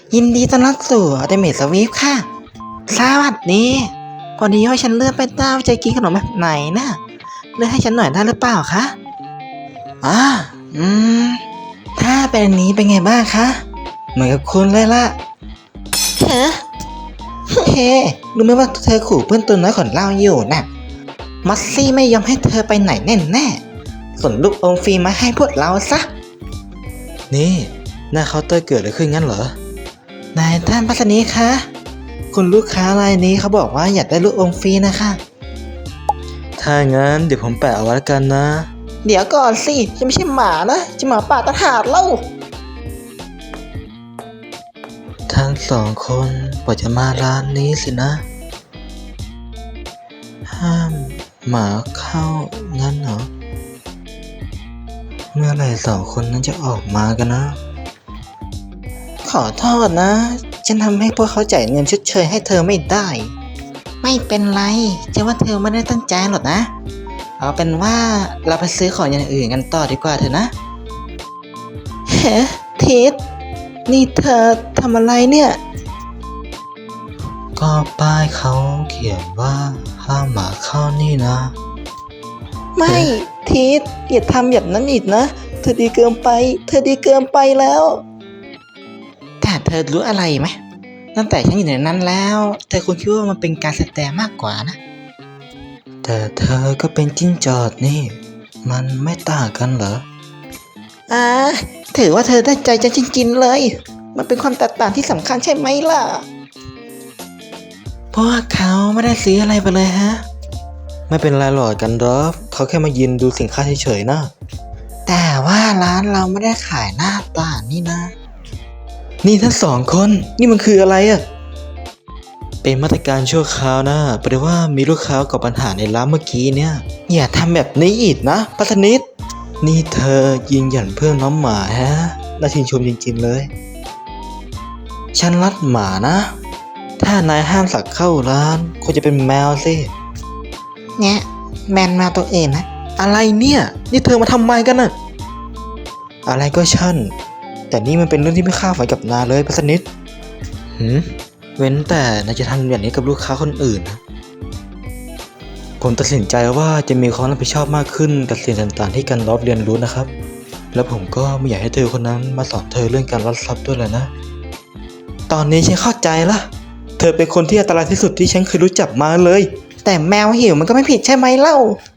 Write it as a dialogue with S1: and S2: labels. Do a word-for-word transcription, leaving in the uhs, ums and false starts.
S1: ยินดีต้อนรับสู่อัลติเมทสวีฟค่ะสวัสดีพอดีว่าฉันเลือกไปต้าว่าจะกินขนมแบบไหนนะเลือกให้ฉันหน่อยได้หรือเปล่าคะอ่าอืมถ้าเป็นอันนี้เป็นไงบ้างคะเหมือนกับคุณเลยล่ะเฮ้เฮ้รู้ไหมว่าเธอขู่เพื่อนตัวน้อยของเราอยู่น่ะมัสซี่ไม่ยอมให้เธอไปไหนแน่แน่ส่งลูกอมฟรีมาให้พวกเราซะนี่หน้าเคาน์เตอร์เกิดอะไรขึ้นงั้นเหรอนายท่านพัสนีคะคุณลูกค้ารายนี้เขาบอกว่าอยากได้ลูกอมฟรีนะคะถ้างั้นเดี๋ยวผมแปะเอาไว้แล้วกันนะเดี๋ยวก่อนสิฉันไม่ใช่หมานะจะหมาป่าตะหาดเล่าทั้งสองคนกว่าจะมาร้านนี้สินะห้ามหมาเข้างั้นเหรอเมื่อไหร่สองคนนั้นจะออกมากันนะขอโทษนะฉันทำให้พวกเขาจ่ายเงินชดเชยให้เธอไม่ได้ไม่เป็นไรจะว่าเธอไม่ได้ตั้งใจหรอกนะเอาเป็นว่าเราไปซื้อของอย่างอื่นกันต่อดีกว่าเถอะนะเฮ้ทิดนี่เธอทำอะไรเนี่ยก็ป้ายเขาเขียนว่าห้ามหมาเข้านี่นะไม่ทิดอย่าทำแบบนั้นอีกนะเธอดีเกินไปเธอดีเกินไปแล้วแต่เธอรู้อะไรไหมตั้งแต่ฉันอยู่ในนั้นแล้วเธอคงคิดว่ามันเป็นการแสดงมากกว่านะแต่เธอก็เป็นจิ้งจอกนี่มันไม่ต่างกันเหรออ่าถือว่าเธอได้ใจฉันจริงๆเลยมันเป็นความแตกต่างที่สำคัญใช่ไหมล่ะเพราะว่าเขาไม่ได้ซื้ออะไรไปเลยฮะไม่เป็นไรหรอกกันดอฟเขาแค่มายืนดูสินค้าเฉยๆนะแต่ว่าร้านเราไม่ได้ขายหน้าต่างนี่นะนี่ทั้งสองคนนี่มันคืออะไรอะเป็นมาตรการชั่วคราวนะแปลว่ามีลูกค้ากับปัญหาในร้านเมื่อกี้เนี่ยอย่าทำแบบนี้อีกนะพัฒนิดนี่เธอยิงหยันเพื่อนน้องหมาฮะน่าชื่นชมจริงๆเลยฉันรักหมานะถ้านายห้ามสักเข้าร้านควรจะเป็นแมวสิเนี่ยแมนมาตัวเองนะอะไรเนี่ยนี่เธอมาทำไมกันน่ะอะไรก็ช่างแต่นี่มันเป็นเรื่องที่ไม่คาดฝันกับนายเลยพัสนิดหืมเว้นแต่นายจะทำแบบนี้กับลูกค้าคนอื่นนะผมตัดสินใจว่าจะมีความรับผิดชอบมากขึ้นกับสิ่งต่างๆที่กันรอบเรียนรู้นะครับแล้วผมก็ไม่อยากให้เธอคนนั้นมาสอนเธอเรื่องการรับทรัพย์ด้วยแหละนะตอนนี้ฉันเข้าใจละเธอเป็นคนที่อันตรายที่สุดที่ฉันเคยรู้จักมาเลยแต่แมวหิวมันก็ไม่ผิดใช่ไหมเล่า